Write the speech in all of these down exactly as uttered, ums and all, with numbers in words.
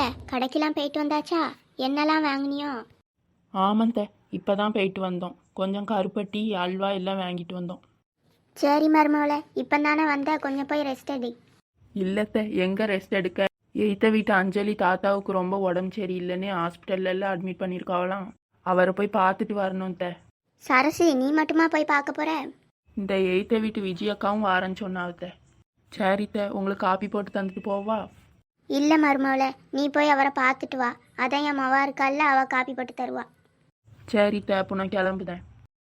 கடைக்கெல்லாம் போயிட்டு வந்தாச்சா? என்னெல்லாம் வாங்கினியோ? ஆமாந்த, இப்போ தான் போயிட்டு வந்தோம். கொஞ்சம் கருப்பட்டி அல்வா எல்லாம் வாங்கிட்டு வந்தோம். சரி மருமவளை, இப்போ தானே வந்த, கொஞ்சம் போய் ரெஸ்ட் எடு. இல்லத்த, எங்கே ரெஸ்ட் எடுக்க? எய்த்த வீட்டு அஞ்சலி தாத்தாவுக்கு ரொம்ப உடம்பு சரியில்லைன்னு ஹாஸ்பிட்டல்லாம் அட்மிட் பண்ணியிருக்காவலாம். அவரை போய் பார்த்துட்டு வரணும் த. சரசு, நீ மட்டுமா போய் பார்க்க போற? இந்த எய்த்த வீட்டு விஜயக்காவும் வாரன்னு சொன்னாவத்த. சரித்த, உங்களுக்கு காப்பி போட்டு தந்துட்டு போவா? இல்லை மருமவளை, நீ போய் அவரை பார்த்துட்டு வா. அதான் என் மவா இருக்கால, அவ காப்பி போட்டு தருவா. சரித்த, அப்போ நான் கிளம்புதேன்.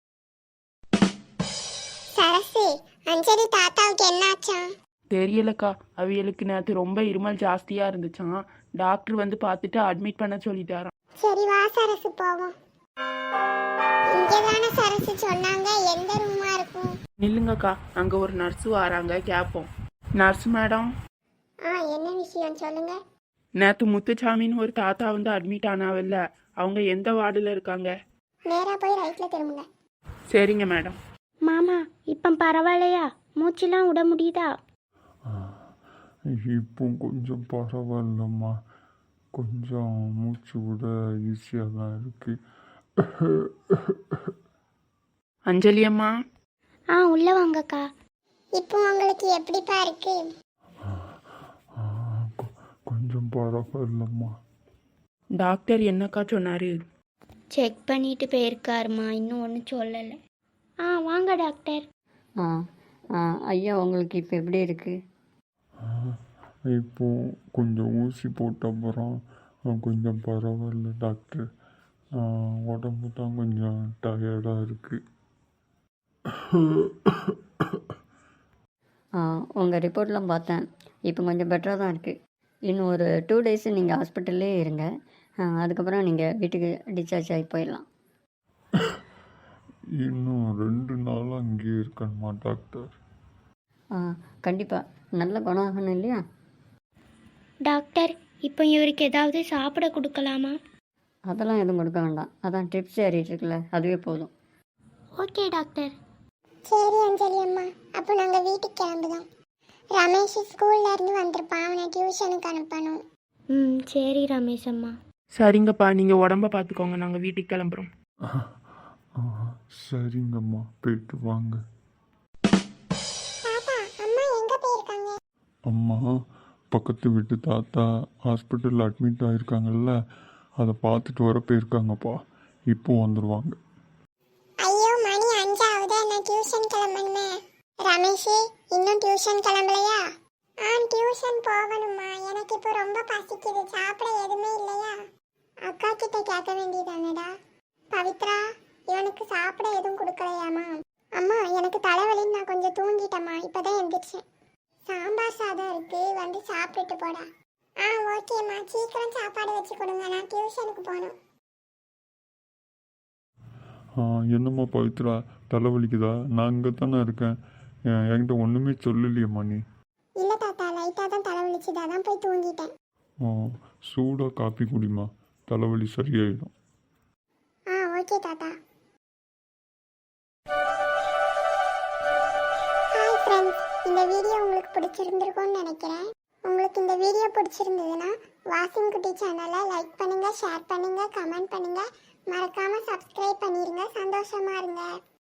சரசு, அஞ்சலி தாத்தாவுக்கு என்னாச்சா? தெரியலக்கா, அவியலுக்கு நேற்று ரொம்ப இருமல் ஜாஸ்தியாக இருந்துச்சான். டாக்டர் வந்து பார்த்துட்டு அட்மிட் பண்ண சொல்லிட்டாராம். சரி வா சரசு போவோம். இங்கதானே சரசு சொன்னாங்க, எந்த ரூமா இருக்கும்? நில்லுங்கக்கா, அங்கே ஒரு நர்ஸு வராங்க, கேட்போம். Nurse madam. ஆ, என்ன விஷயம் சொல்லுங்க. நேற்று முத்துச்சாமின்னு ஒரு தாத்தா வந்து அட்மிட் ஆனாவில்ல, அவங்க எந்த வார்டில் இருக்காங்க? நேரா போய் ரைட்ல திரும்புங்க. சரிங்க மேடம். மாமா, இப்போ பரவாயில்லையா? மூச்செல்லாம் விட முடியுதா? இப்போ கொஞ்சம் பரவாயில்லம்மா, கொஞ்சம் மூச்சு விட ஈஸியாக தான் இருக்கு. அஞ்சலி அம்மா. ஆ, உள்ள வாங்கக்கா. இப்போ உங்களுக்கு எப்படிப்பா இருக்கு? கொஞ்சம் பரவாயில்லம்மா. டாக்டர் என்னக்கா சொன்னாரு? செக் பண்ணிட்டு போயிருக்காருமா, இன்னும் ஒன்றும் சொல்லலை. ஆ, வாங்க டாக்டர். ஆ ஆ ஐயா, உங்களுக்கு இப்போ எப்படி இருக்குது? இப்போ கொஞ்சம் ஊசி போட்ட அப்புறம் கொஞ்சம் பரவாயில்ல டாக்டர். உடம்பு தான் கொஞ்சம் டயர்டாக இருக்குது. ஆ உங்கள் ரிப்போர்ட்லாம் பார்த்தேன், இப்போ கொஞ்சம் பெட்டராக தான் இருக்குது. இன்னும் ஒரு டூ டேஸு நீங்கள் ஹாஸ்பிட்டல்லே இருங்க. அதுக்கப்புறம் நீங்கள் வீட்டுக்கு டிஸ்சார்ஜ் ஆகி போயிடலாம். இன்னும் ரெண்டு நாளாக அங்கேயே இருக்கணுமா டாக்டர்? ஆ கண்டிப்பாக, நல்ல குணம் ஆகணும் இல்லையா? டாக்டர், இப்போ இவருக்கு ஏதாவது சாப்பிட கொடுக்கலாமா? அதெல்லாம் எதுவும் கொடுக்க வேண்டாம், அதான் ட்ரிப்ஸ் ஏறிட்டு இருக்குல்ல, அதுவே போதும். Okay doctor. சரி அஞ்சலி அம்மா, அப்போ நாங்கள் வீட்டுக்கு கிளம்புதோம். ரமேஷ் ஸ்கூல்ல இருந்து வந்திருப்பான், அவனை டியூஷனுக்கு அனுப்பணும். ம், சரி ரமேஷ் அம்மா. சரிங்கப்பா, நீங்கள் உடம்ப பார்த்துக்கோங்க, நாங்கள் வீட்டுக்கு கிளம்புறோம். சரிங்கம்மா, போயிட்டு வாங்க. தாத்தா, அம்மா எங்க போயிருக்காங்க? அம்மா பக்கத்து வீட்டு தாத்தா ஹாஸ்பிட்டலில் அட்மிட் ஆகிருக்காங்கல்ல, அதை பார்த்துட்டு வர போயிருக்காங்கப்பா. இப்போ வந்துடுவாங்க. ஐயோ, மணி அஞ்சாவது, நான் டியூஷன் கிளம்பணுமே. ரமேஷ், இன்னும் டியூஷன் கிளம்பலையா? ஆ, டியூஷன் போகணுமா. எனக்கு இப்போ ரொம்ப பசிக்குது, சாப்பிட எதுவுமே இல்லையா? அக்கா கிட்ட கேட்க வேண்டியதானடா. பவித்ரா, இவனுக்கு சாப்பிட எதுவும் கொடுக்கலையாமா? அம்மா, எனக்கு தலைவலின்னு நான் கொஞ்சம் தூங்கிட்டேம்மா, இப்போதான் எந்திரிச்சேன். சாம்பார் சாதம் இருக்கு, வந்து சாப்பிட்டுட்டு போடா. ஆ ஓகேம்மா, சீக்கிரம் சாப்பாடு வச்சு கொடுங்க, நான் டியூஷனுக்கு போகணும். என்னம்மா பவித்ரா, தலைவலிக்குதா? நான் இங்கே தானே இருக்கேன், என்கிட்ட ஒன்றுமே சொல்லலையம்மா நீ. இல்லை தாத்தா, லைட்டாக தான் தலைவலிச்சுது, அதான் போய் தூங்கிட்டேன். சூடாக காப்பி குடிமா, தலைவலி சரியாயிடும். ஆ ஓகே தாத்தா. ஹாய் ஃப்ரெண்ட்ஸ், இந்த வீடியோ உங்களுக்கு பிடிச்சிருந்துருக்கும்னு நினைக்கிறேன். உங்களுக்கு இந்த வீடியோ பிடிச்சிருந்ததுன்னா வாசிங் குட்டி சேனலை லைக் பண்ணுங்கள், ஷேர் பண்ணுங்கள், கமெண்ட் பண்ணுங்கள், மறக்காமல் சப்ஸ்கிரைப் பண்ணிடுங்க. சந்தோஷமாக இருங்க.